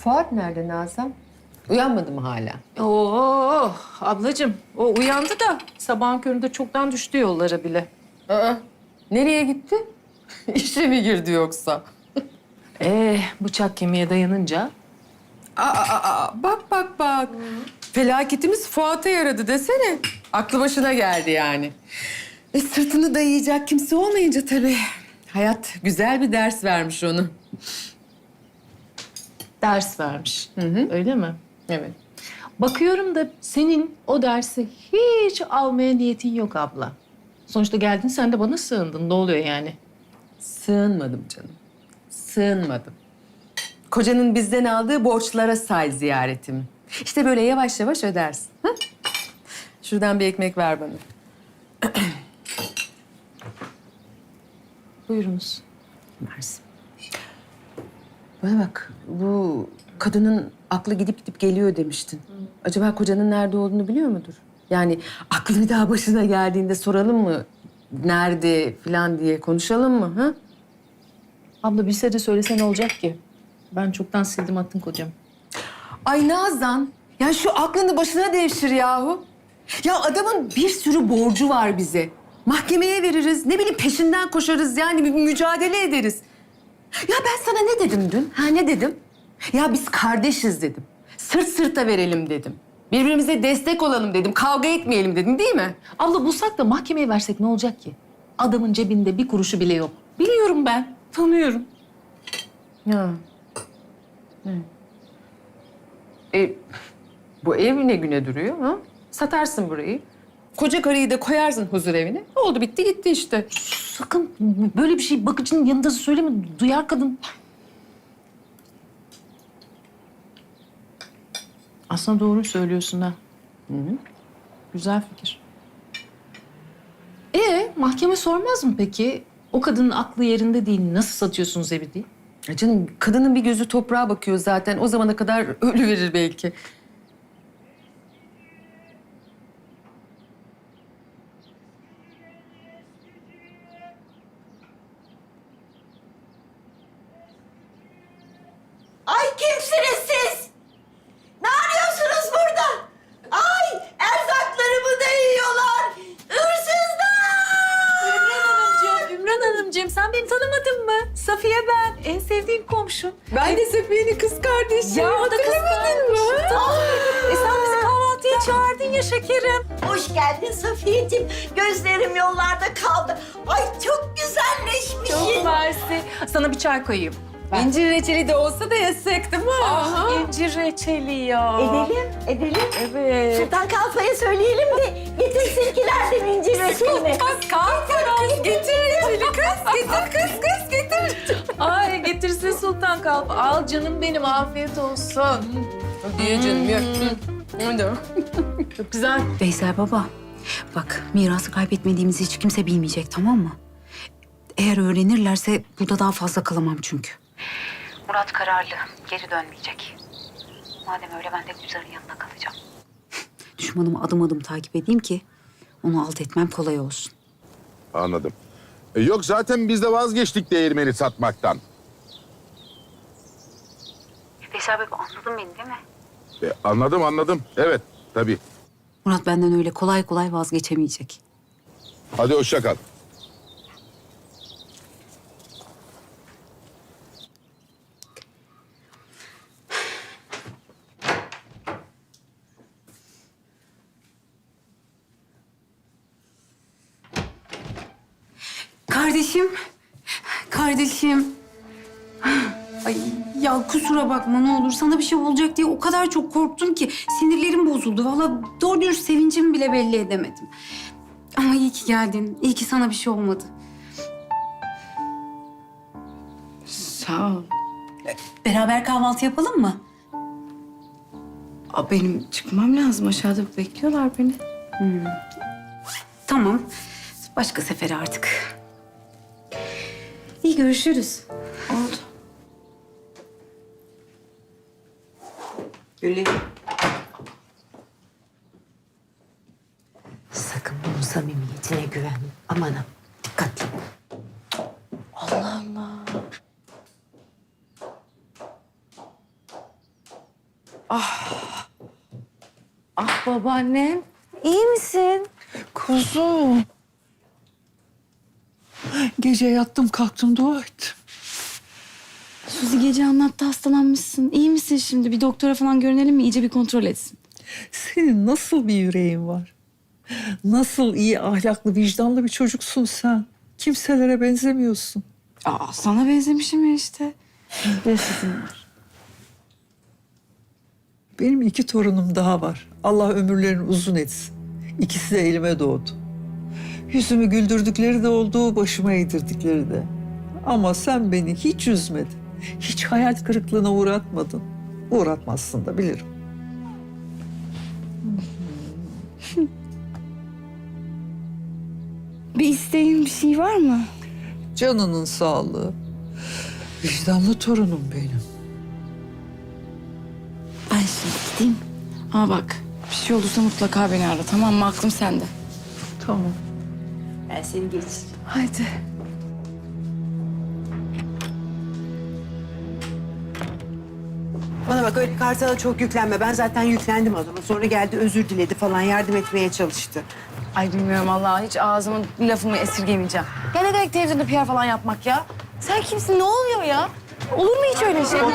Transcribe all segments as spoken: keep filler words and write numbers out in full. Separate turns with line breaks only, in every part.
Fuat nerede Nazan? Uyanmadı mı hala?
Oo ablacığım o uyandı da sabahın köründe çoktan düştü yollara bile.
Aa, nereye gitti? İşe mi girdi yoksa?
Ee bıçak kemiğe dayanınca
Aa, aa, aa, bak bak bak. Felaketimiz Fuat'a yaradı desene. Aklı başına geldi yani. E sırtını dayayacak kimse olmayınca tabii. Hayat güzel bir ders vermiş onu.
ders vermiş.
Hı hı.
Öyle mi?
Evet.
Bakıyorum da senin o dersi hiç almaya niyetin yok abla. Sonuçta geldin sen de bana sığındın. Ne oluyor yani?
Sığınmadım canım. Sığınmadım. Kocanın bizden aldığı borçlara say ziyaretimi. İşte böyle yavaş yavaş ödersin. Ha? Şuradan bir ekmek ver bana.
Buyurunuz.
Mersi. Bana bak, bu kadının aklı gidip gidip geliyor demiştin. Acaba kocanın nerede olduğunu biliyor mudur? Yani aklı bir daha başına geldiğinde soralım mı? Nerede falan diye konuşalım mı? Ha?
Abla bilse de söylese ne olacak ki? Ben çoktan sildim attım kocam.
Ay Nazan, ya şu aklını başına devşir yahu. Ya adamın bir sürü borcu var bize. Mahkemeye veririz, ne bileyim peşinden koşarız yani bir mücadele ederiz. Ya ben sana ne dedim dün? Ha ne dedim? Ya biz kardeşiz dedim. Sırt sırta verelim dedim. Birbirimize destek olalım dedim. Kavga etmeyelim dedim değil mi?
Abla bulsak da mahkemeye versek ne olacak ki? Adamın cebinde bir kuruşu bile yok. Biliyorum ben, tanıyorum.
Ya. Hı. E, bu ev ne güne duruyor ha? Satarsın burayı. Koca karıyı da koyarsın huzur evine. Oldu bitti gitti işte.
Sakın böyle bir şey bakıcının yanında söyleme. Duyar kadın. Aslında doğru söylüyorsun ha.
Hı hı.
Güzel fikir. Ee, mahkeme sormaz mı peki? O kadının aklı yerinde değil. Nasıl satıyorsunuz evi diye?
Ya canım kadının bir gözü toprağa bakıyor zaten. O zamana kadar ölü verir belki.
Ay kimsiniz siz? Ne arıyorsunuz burada? Ay erzaklarımı da yiyorlar. Hırsızlar!
Ümran Hanımcığım, Ümran Hanımcığım sen beni tanımadın mı? Safiye ben, en sevdiğim komşum.
Ben de Safiye'nin kız kardeşi.
Ya o da kız kardeşim. Tabii. E sen bizi kahvaltıya çağırdın ya şekerim.
Hoş geldin Safiyeciğim. Gözlerim yollarda kaldı. Ay çok güzelleşmişsin.
Çok mersi. Sana bir çay koyayım.
İncir reçeli de olsa da yesek değil mi?
Ah, incir reçeli ya.
Edelim, edelim.
Evet.
Sultan Kalfa'ya söyleyelim de getirsinkilerden incir reçelini.
Kız kalk kız. Getir reçeli kız. Getir kız kız getir. Ay getirsin Sultan Kalp. Al canım benim afiyet olsun.
Diye canım yok. Hadi.
Çok güzel.
Veysel baba, bak mirası kaybetmediğimizi hiç kimse bilmeyecek, tamam mı? Eğer öğrenirlerse burada daha fazla kalamam çünkü. Murat kararlı, geri dönmeyecek. Madem öyle ben de Gülzar'ın yanında kalacağım. Düşmanımı adım adım takip edeyim ki onu alt etmem kolay olsun.
Anladım. E, yok zaten biz de vazgeçtik değirmeni satmaktan.
Veysel baba anladın beni değil mi?
E, anladım anladım. Evet tabii.
Murat benden öyle kolay kolay vazgeçemeyecek.
Hadi hoşça kal.
Kardeşim, kardeşim. Ay ya kusura bakma ne olur. Sana bir şey olacak diye o kadar çok korktum ki sinirlerim bozuldu. Vallahi doğru dürüst sevincimi bile belli edemedim. Ama iyi ki geldin. İyi ki sana bir şey olmadı.
Sağ ol.
Beraber kahvaltı yapalım mı?
Aa, benim çıkmam lazım. Aşağıda bekliyorlar beni.
Tamam. Başka sefere artık. İyi görüşürüz.
Oldu. Güllerim.
Sakın bunun samimiyetine güvenme. Aman ha, dikkatli.
Allah Allah.
Ah babaannem. İyi misin?
Kuzum. Gece yattım kalktım dua ettim.
Suzi gece anlattı hastalanmışsın. İyi misin şimdi? Bir doktora falan görünelim mi? İyice bir kontrol etsin.
Senin nasıl bir yüreğin var? Nasıl iyi, ahlaklı, vicdanlı bir çocuksun sen. Kimselere benzemiyorsun.
Aa, sana benzemişim ya işte. Resim var.
Benim iki torunum daha var. Allah ömürlerini uzun etsin. İkisi de elime doğdu. Yüzümü güldürdükleri de oldu, başıma eğdirdikleri de. Ama sen beni hiç üzmedin. Hiç hayal kırıklığına uğratmadın. Uğratmazsın da bilirim.
Bir isteğin bir şey var mı?
Canının sağlığı. Vicdanlı torunum benim.
Ben şimdi gideyim. Ama bak bir şey olursa mutlaka beni ara, tamam mı? Aklım sende.
Tamam.
Ben seni geçireceğim.
Haydi.
Bana bak öyle Kartal'a çok yüklenme. Ben zaten yüklendim adama. Sonra geldi özür diledi falan yardım etmeye çalıştı.
Ay bilmiyorum Allah, hiç ağzımın lafımı esirgemeyeceğim. Ya ne demek televizyonda P R falan yapmak ya? Sen kimsin? Ne oluyor ya? Olur mu hiç öyle şey?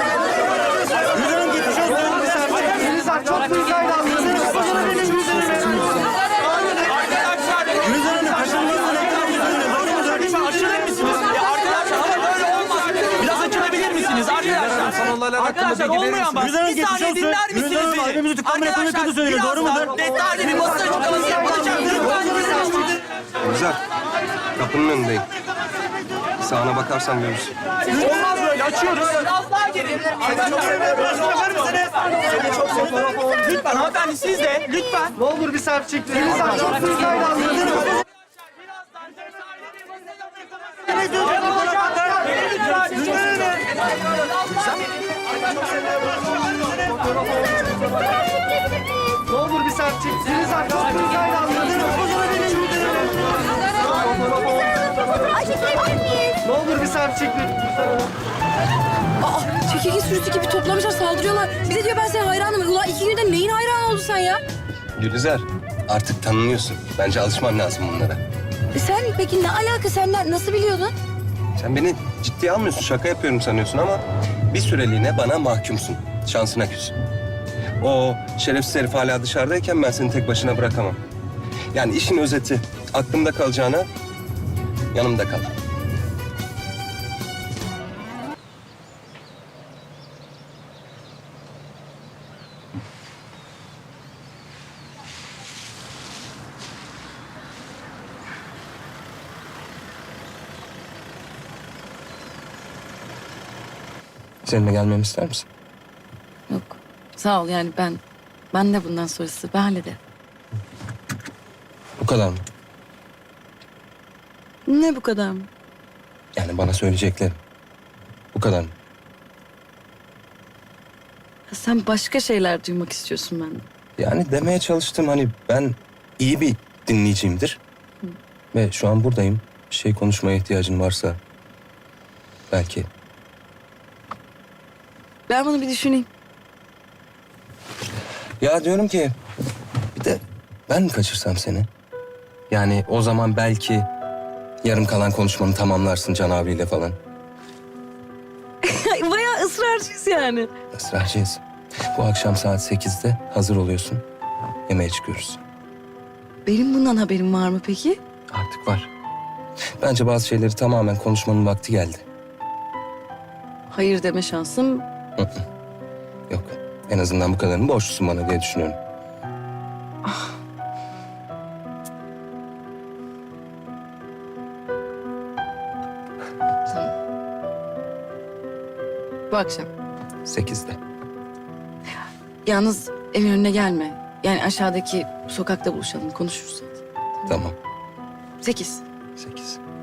Biraz açılabilir misiniz arkadaşlar? Arkadaşlar olmayan bak. Bir saniye dinler misiniz beni? Arkadaşlar birazdan detaylı bir basın açıklaması yapılacak. Lütfen dinleyin.
Güzel. Kapının önündeyim. Sağına bakarsan görürsün.
Olmaz böyle açıyoruz. Biraz daha geri. Arkadaşlar bakar mısınız? Seni çok seviyorum. Lütfen hanımefendi siz de lütfen. Ne olur bir selfie çektirelim. Lütfen çok hızlıyla anladınız. Ne olur bir selfie çektirelim. Çok hızlıyla anladınız. Ne olur bir selfie çektirelim.
Aa, çekirge sürüsü gibi toplamışlar, saldırıyorlar. Bir de diyor ben senin hayranım. Ulan iki günde neyin hayranı oldun sen ya?
Gülizar, artık tanınıyorsun. Bence alışman lazım bunlara.
E sen peki ne alaka, sen ne- nasıl biliyordun?
Sen beni ciddiye almıyorsun, şaka yapıyorum sanıyorsun ama bir süreliğine bana mahkumsun. Şansına küs. O şerefsiz herif hala dışarıdayken ben seni tek başına bırakamam. Yani işin özeti, aklımda kalacağına yanımda kal. Seninle gelmemi ister misin?
Yok. Sağ ol, yani ben ben de bundan sonrası ben hallederim.
Bu kadar mı?
Ne bu kadar mı?
Yani bana söyleyeceklerim. Bu kadar mı?
Ha, sen başka şeyler duymak istiyorsun benden.
Yani demeye çalıştım hani ben iyi bir dinleyiciyimdir. Ve şu an buradayım. Bir şey konuşmaya ihtiyacın varsa belki.
Ben bunu bir düşüneyim.
Ya diyorum ki bir de ben mi kaçırsam seni? Yani o zaman belki yarım kalan konuşmanı tamamlarsın Can abiyle falan.
Bayağı ısrarcıyız yani.
Israrcıyız. Bu akşam saat sekizde hazır oluyorsun. Yemeğe çıkıyoruz.
Benim bundan haberim var mı peki?
Artık var. Bence bazı şeyleri tamamen konuşmanın vakti geldi.
Hayır deme şansım.
Yok. En azından bu kadarını borçlusun bana diye düşünüyorum.
Bu akşam.
Sekizde.
Yalnız evin önüne gelme. Yani aşağıdaki sokakta buluşalım, konuşuruz.
Tamam.
Sekiz.
Sekiz.